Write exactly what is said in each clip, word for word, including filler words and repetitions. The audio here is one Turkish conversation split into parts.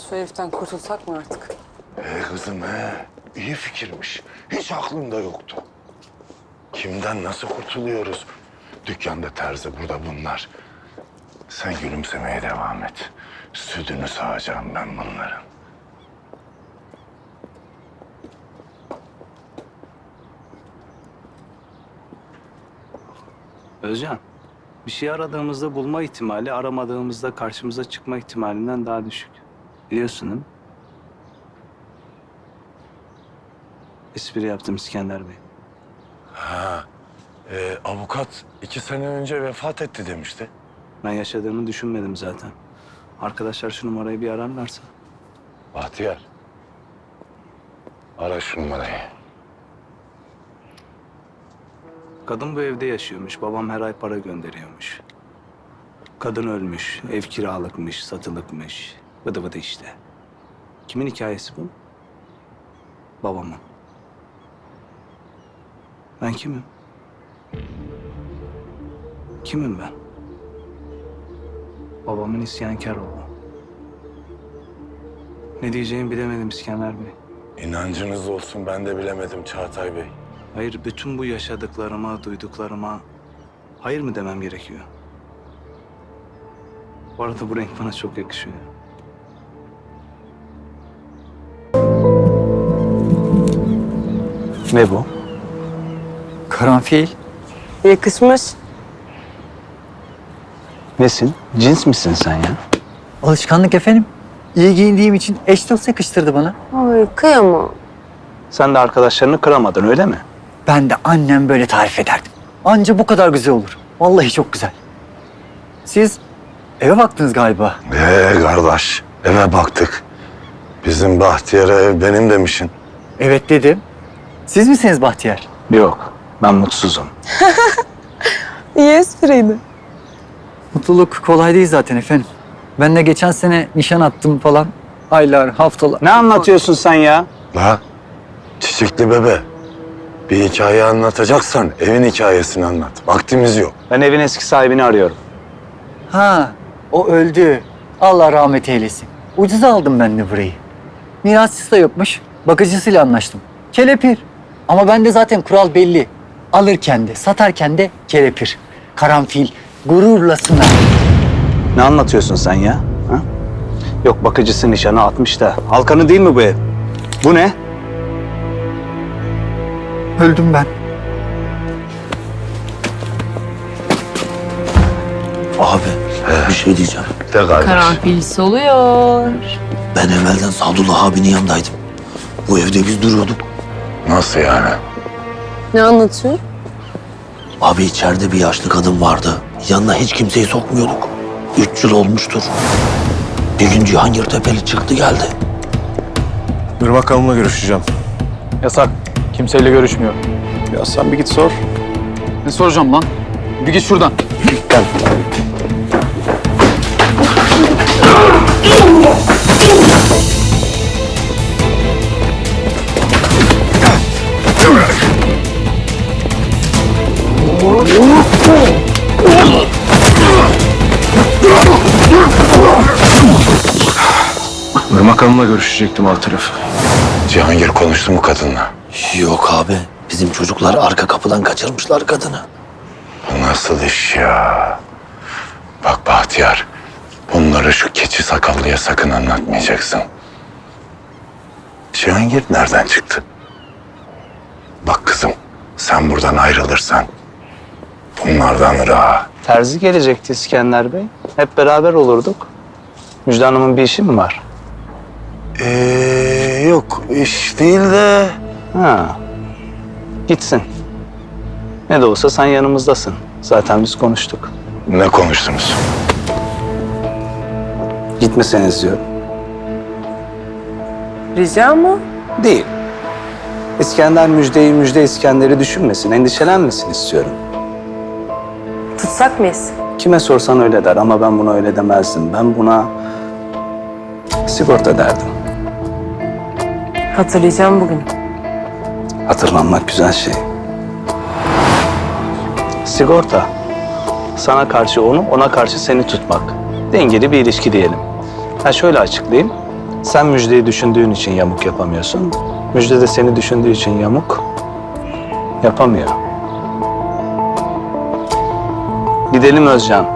Şu heriften kurtulsak mı artık? Ee kızım he, iyi fikirmiş. Hiç aklımda yoktu. Kimden nasıl kurtuluyoruz? Dükkanda terzi, burada bunlar. Sen gülümsemeye devam et. Sütünü sağacağım ben bunların. Özcan, bir şey aradığımızda bulma ihtimali aramadığımızda karşımıza çıkma ihtimalinden daha düşük. Biliyorsun değil mi? Espri yaptım İskender Bey. Ha, e, avukat iki sene önce vefat etti demişti. Ben yaşadığını düşünmedim zaten. Arkadaşlar şu numarayı bir ararlarsa. Bahtiyar, ara şu numarayı. Kadın bu evde yaşıyormuş. Babam her ay para gönderiyormuş. Kadın ölmüş, ev kiralıkmış, satılıkmış. Vıdı vıdı işte. Kimin hikayesi bu? Babamın. Ben kimim? Kimim ben? Babamın isyankar oğlu. Ne diyeceğimi bilemedim İskender Bey. İnancınız olsun, ben de bilemedim Çağatay Bey. Hayır, bütün bu yaşadıklarıma, duyduklarıma hayır mı demem gerekiyor? Bu arada bu renk bana çok yakışıyor. Ne bu? Karanfil. Yakışmış. Nesin? Cins misin sen ya? Alışkanlık efendim. İyi giyindiğim için eş dost yakıştırdı bana. Ay kıyamam. Sen de arkadaşlarını kıramadın öyle mi? Ben de annem böyle tarif ederdim. Anca bu kadar güzel olur. Vallahi çok güzel. Siz eve baktınız galiba. Ee kardeş, eve baktık. Bizim Bahtiyar'a ev benim demişsin. Evet dedim. Siz misiniz Bahtiyar? Yok, ben mutsuzum. İyi espriydi. Mutluluk kolay değil zaten efendim. Ben de geçen sene nişan attım falan. Aylar, haftalar. Ne anlatıyorsun sen ya? La, çiçekli bebe. Bir hikaye anlatacaksan evin hikayesini anlat. Vaktimiz yok. Ben evin eski sahibini arıyorum. Ha, o öldü. Allah rahmet eylesin. Ucuza aldım ben de burayı. Mirasçısı da yokmuş. Bakıcısıyla anlaştım. Kelepir. Ama bende zaten kural belli. Alırken de, satarken de kelepir. Karanfil, gururla sınar. Ne anlatıyorsun sen ya? Ha? Yok bakıcısı nişanı atmış da. Halkanı değil mi bu ev? Bu ne? Öldüm ben. Abi bir şey diyeceğim. De kardeş. Karanfil soluyor. Ben evvelden Sadullah abinin yanındaydım. Bu evde biz duruyorduk. Nasıl yani? Ne anlatıyor? Abi içeride bir yaşlı kadın vardı. Yanına hiç kimseyi sokmuyorduk. Üç yıl olmuştur. Bir gün Cihangir Tepeli çıktı geldi. Irmak Hanım'la görüşeceğim. Yasak. Kimseyle görüşmüyor. Ya sen bir git sor. Ne soracağım lan? Bir git şuradan. Irmak Hanım'la görüşecektim alt tarafı. Cihangir konuştu mu kadınla? Yok abi. Bizim çocuklar arka kapıdan kaçırmışlar kadını. Bu nasıl iş ya? Bak Bahtiyar, bunları şu keçi sakallıya sakın anlatmayacaksın. Cihangir nereden çıktı? Bak kızım, sen buradan ayrılırsan bunlardan rahat. Terzi gelecekti İskender Bey. Hep beraber olurduk. Müjde Hanım'ın bir işi mi var? Ee, yok iş değil de... Ha. Gitsin. Ne de olsa sen yanımızdasın. Zaten biz konuştuk. Ne konuştunuz? Gitmeseniz diyorum. Rica mı? Değil. İskender Müjde'yi, Müjde İskender'i düşünmesin, endişelenmesin istiyorum. Tutsak mıyız? Kime sorsan öyle der ama ben buna öyle demezdim. Ben buna sigorta derdim. Hatırlayacağım bugün. Hatırlanmak güzel şey. Sigorta. Sana karşı onu, ona karşı seni tutmak. Dengeli bir ilişki diyelim. Ha şöyle açıklayayım. Sen Müjde'yi düşündüğün için yamuk yapamıyorsun. Müjde de seni düşündüğü için yamuk yapamıyor. Gidelim Özcan.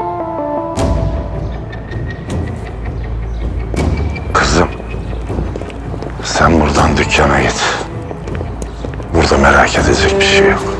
Kızım, sen buradan dükkana git. Burada merak edecek bir şey yok.